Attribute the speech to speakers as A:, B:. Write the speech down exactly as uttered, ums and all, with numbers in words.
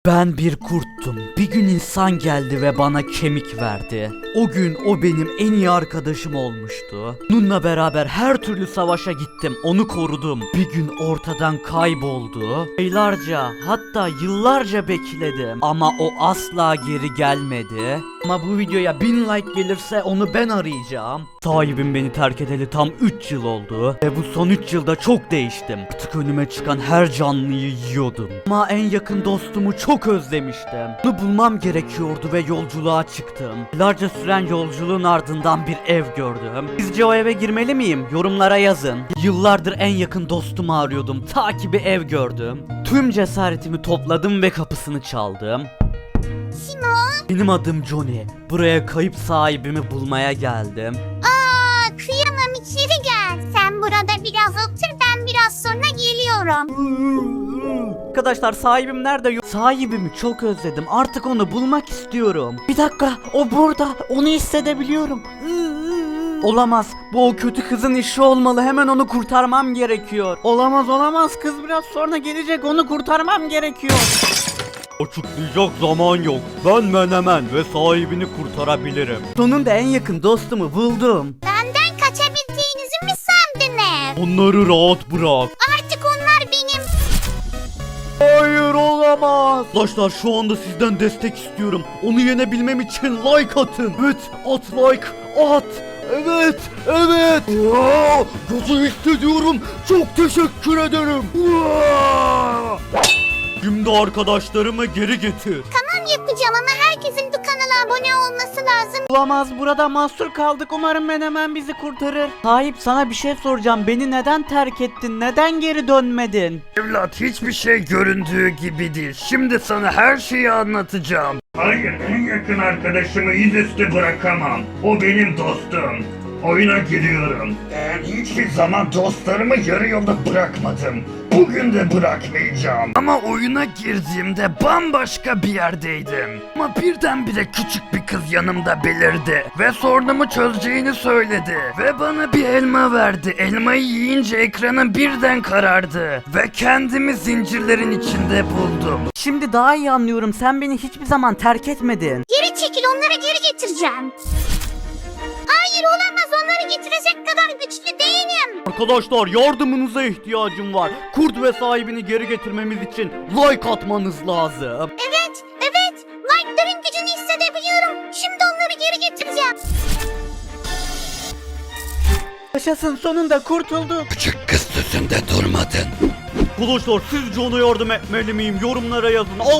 A: Ben bir kurttum. Bir gün insan geldi ve bana kemik verdi. O gün o benim en iyi arkadaşım olmuştu. Onunla beraber her türlü savaşa gittim. Onu korudum. Bir gün ortadan kayboldu. Aylarca, hatta yıllarca bekledim. Ama o asla geri gelmedi. Ama bu videoya bin like gelirse onu ben arayacağım. Sahibim beni terk edeli tam üç yıl oldu. Ve bu son üç yılda çok değiştim. Artık önüme çıkan her canlıyı yiyordum. Ama en yakın dostumu çok özlemiştim. Onu bulmam gerekiyordu ve yolculuğa çıktım. Yıllarca süren yolculuğun ardından bir ev gördüm. Sizce o eve girmeli miyim? Yorumlara yazın. Yıllardır en yakın dostumu arıyordum. Ta ki bir ev gördüm. Tüm cesaretimi topladım ve kapısını çaldım. Benim adım Johnny. Buraya kayıp sahibimi bulmaya geldim.
B: Aa, kıyamam, içeri gel. Sen burada biraz otur, ben biraz sonra geliyorum.
A: Arkadaşlar, sahibim nerede? Yok. Sahibimi çok özledim. Artık onu bulmak istiyorum. Bir dakika, o burada. Onu hissedebiliyorum. Olamaz. Bu o kötü kızın işi olmalı. Hemen onu kurtarmam gerekiyor. Olamaz olamaz. Kız biraz sonra gelecek. Onu kurtarmam gerekiyor. Açıklayacak zaman yok. Ben Menemen ve sahibini kurtarabilirim. Sonunda en yakın dostumu buldum.
B: Benden kaçabildiğinizi mi sandınız?
A: Onları rahat bırak.
B: Artık onlar benim.
A: Hayır, olamaz. Arkadaşlar, şu anda sizden destek istiyorum. Onu yenebilmem için like atın. Evet, at like, at. Evet, evet. Aa, gücü hissediyorum. Çok teşekkür ederim. Aa! Şimdi arkadaşlarımı geri getir.
B: Tamam, yapacağım ama herkesin bu kanala abone olması lazım.
A: Olamaz, burada mahsur kaldık. Umarım Menemen bizi kurtarır. Sahip, sana bir şey soracağım. Beni neden terk ettin? Neden geri dönmedin?
C: Evlat, hiçbir şey göründüğü gibi değil. Şimdi sana her şeyi anlatacağım. Hayır, en yakın arkadaşımı yüzüstü bırakamam. O benim dostum. Oyuna giriyorum. Ben hiçbir zaman dostlarımı yarı yolda bırakmadım. Bugün de bırakmayacağım. Ama oyuna girdiğimde bambaşka bir yerdeydim. Ama birdenbire küçük bir kız yanımda belirdi. Ve sorunumu çözeceğini söyledi. Ve bana bir elma verdi. Elmayı yiyince ekranım birden karardı. Ve kendimi zincirlerin içinde buldum.
A: Şimdi daha iyi anlıyorum. Sen beni hiçbir zaman terk etmedin.
B: Geri çekil, onları geri getireceğim. Hayır, olamaz, onları getirecek kadar güçlü değilim.
A: Arkadaşlar, yardımınıza ihtiyacım var. Kurt ve sahibini geri getirmemiz için like atmanız lazım.
B: Evet, evet, like'ların gücünü hissedebiliyorum. Şimdi onları geri getireceğim.
A: Yaşasın, sonunda kurtulduk.
C: Küçük kız sözünde durmadın.
A: Arkadaşlar, sizce ona yardım etmeli miyim? Yorumlara yazın.